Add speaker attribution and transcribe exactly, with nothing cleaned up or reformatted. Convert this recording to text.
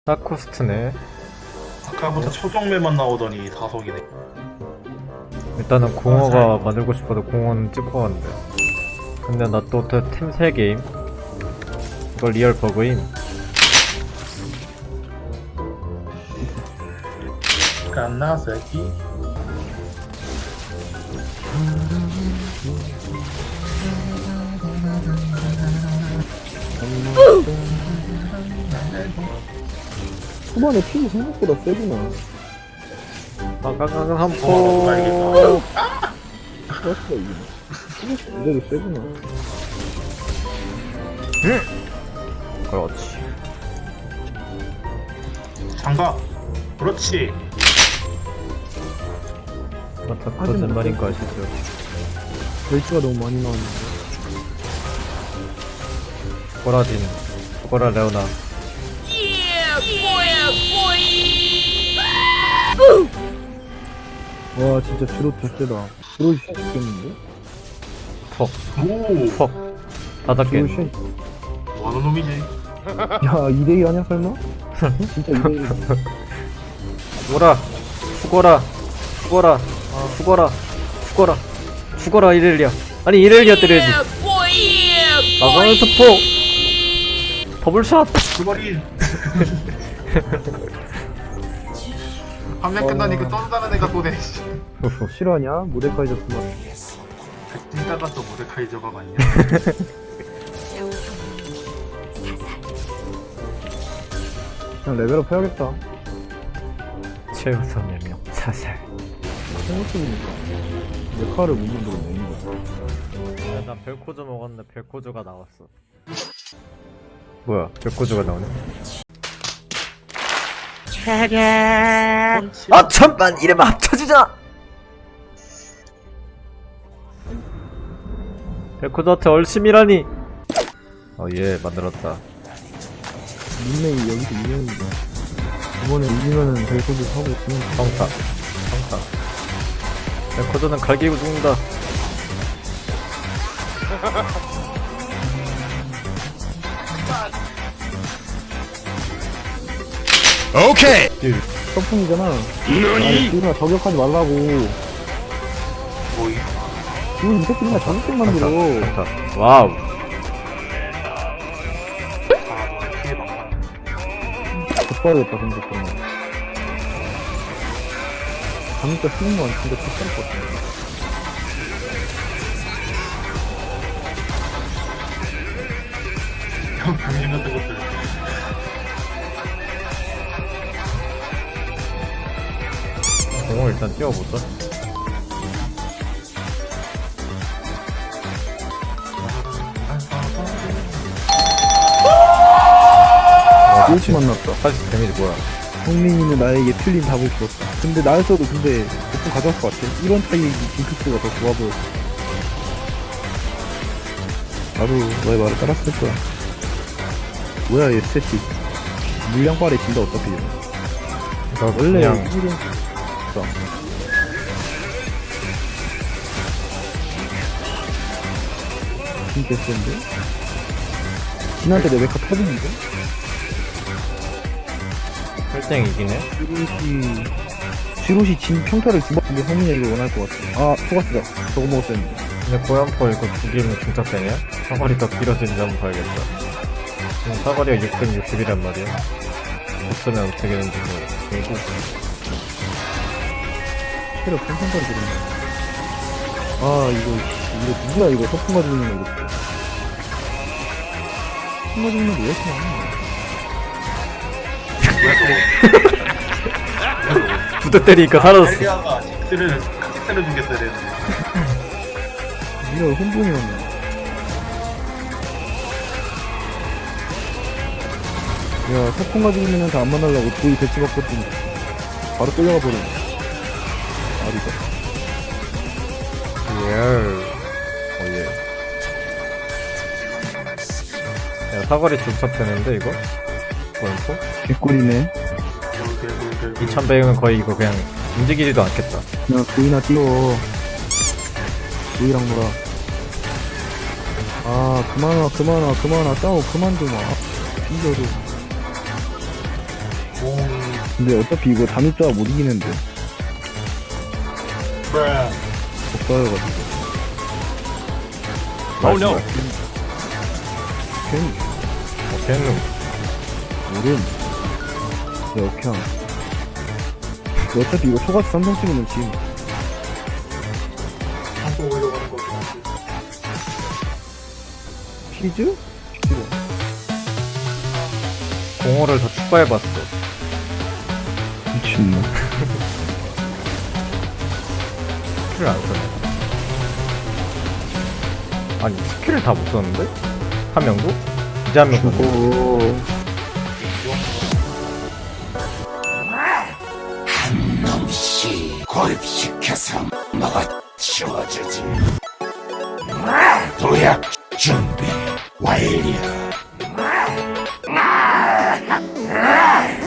Speaker 1: 사코스트네.
Speaker 2: 아까부터 초정매만 나오더니 다속이네.
Speaker 1: 일단은 공허가 만들고 싶어도 공허는 찍고 왔는데. 근데 나 또 팀 세 개임. 이거 리얼 버그임.
Speaker 2: 깐나새끼.
Speaker 3: 초반에 피부 생각보다 세구나.
Speaker 1: 아가가가 한
Speaker 2: 어,
Speaker 1: 포.
Speaker 2: 알겠다.
Speaker 3: 플러스가 이기네. 피부 그대로 세구나.
Speaker 1: 그렇지.
Speaker 2: 장갑. 그렇지.
Speaker 1: 맞다. 거짓말인가 아시죠?
Speaker 3: 벨트가 너무 많이 나왔는데.
Speaker 1: 꼬라진. 꼬라 레오나.
Speaker 3: 와 진짜 드롭 개쎄다. 드롭이 샷 죽겠는데?
Speaker 1: 퍽.
Speaker 2: 오.
Speaker 1: 퍽. 다섯 개.
Speaker 3: 드롭 샷.
Speaker 2: 뭐하는 놈이지?
Speaker 3: 야 이대이 아냐 설마? 진짜 이대이.
Speaker 1: 죽어라. 죽어라. 죽어라. 죽어라. 죽어라. 죽어라 이렐리아. 아니 이렐리아 때려야지. 나가는 스포. 더블샷.
Speaker 2: 그 말이. 화면 끝나니 그 떠다는 애가 또 내.
Speaker 3: 실화냐? 모데카이저 스마.
Speaker 2: 찐따가 또 모데카이저가 맞냐?
Speaker 3: 그냥 레벨업 해야겠다.
Speaker 1: 최우선 명 사살.
Speaker 3: 생각해보니까 메카를 못 만들어 먹는 거야.
Speaker 1: 야, 난 벨코즈 먹었는데 벨코즈가 나왔어. 뭐야? 벨코즈가 나오네? 아 잠깐 이름 합쳐지자. 벨코즈한테 얼심이라니. 어예 만들었다.
Speaker 3: 닉네임이 여기서 유명이다. 이번에 이기면은 벨코드 사고 있으면
Speaker 1: 성타 성타. 벨코즈는 갈기고 죽는다.
Speaker 4: 오케이.
Speaker 3: 서풍이잖아. 아니 지훈아 저격하지 말라고.
Speaker 2: 뭐 이.
Speaker 3: 지훈 이 새끼 맨날 저격식 만들어.
Speaker 1: 성타. 와우.
Speaker 2: 아, 너네 피해 막판.
Speaker 3: 좆빠르겠다 근데 그러면. 진짜 쉬운 건 진짜 좆빠를 것 같아.
Speaker 2: 형 병신 같은 것들.
Speaker 1: 공을 일단 띄워보자.
Speaker 3: 일치 만났다.
Speaker 1: 사실 데미지 뭐야?
Speaker 3: 성민이는 나에게 틀린 답을 주었다. 근데 나였어도 근데 보통 가져갈 것 같아. 이런 타입이 징크스가 더 좋아 보였어. 나도 너의 말을 따랐을 거야. 뭐야 얘 스탯이. 물량빨에 진다 어차피.
Speaker 1: 이거
Speaker 3: 원래
Speaker 1: 그냥
Speaker 3: 일은 진짜 센데? 진한테 내 메카 터지는데?
Speaker 1: 혈땡 이기네.
Speaker 3: 지롯이 지롯이 진 평타를 주먹인데 성민이가 원할 것 같아. 아 토가스다. 저거 먹었어야 했는데.
Speaker 1: 근데 고연포 이거 죽이면 중첩되냐? 사거리 더 길어지는지 한번 봐야겠다. 지금 사거리가 육백육십이란 말이야. 없으면 어떻게 되는지 모르겠고.
Speaker 3: 체력 평평까지 들었네. 아 이거 이거 누구야 이거 서풍 가지고 있는 거 이거. 서풍 가지고 있는 거 왜 이렇게 많아?
Speaker 1: 부대 때리니까 사라졌어.
Speaker 2: 헬리아가 직스를 직스를 주겠어야 되는데.
Speaker 3: 이거 혼돈이 왔네. 야 서풍 가지고 있는 애한테 안 만나려고 도이 배치 바꿨더니 바로 끌려가 버리네. 아리가.
Speaker 1: 예. 오예. 야 사거리 중첩되는데 이거? 고연포?
Speaker 3: 개꿀이네.
Speaker 1: 이천백은 거의 이거 그냥 움직이지도 않겠다.
Speaker 3: 야 도이나 띄워. 도이랑 놀아. 아 그만 와 그만 와 그만 와 싸워 그만 좀 와. 이겨도
Speaker 2: 오,
Speaker 3: 근데 어차피 이거 단입자가 못 이기는데.
Speaker 2: 브라.
Speaker 3: 복사해가지고.
Speaker 1: Oh no.
Speaker 3: 괜히
Speaker 1: 어, 걔는
Speaker 3: 모름. 역형. 어차피 이거 초가스 삼성 찍으면 지
Speaker 2: 한번 올려가는 거 같아.
Speaker 3: 피즈? 싫어.
Speaker 1: 공허를 더 추가해봤어.
Speaker 3: 미친놈.
Speaker 1: 스킬을 안 쓰네. 아니, 스킬을 다 못 썼는데? 한 명도? 이제 한 명도?
Speaker 3: 오.
Speaker 4: 놈씨 고립시켜서 먹어 치워주지. 도약 준비 완료.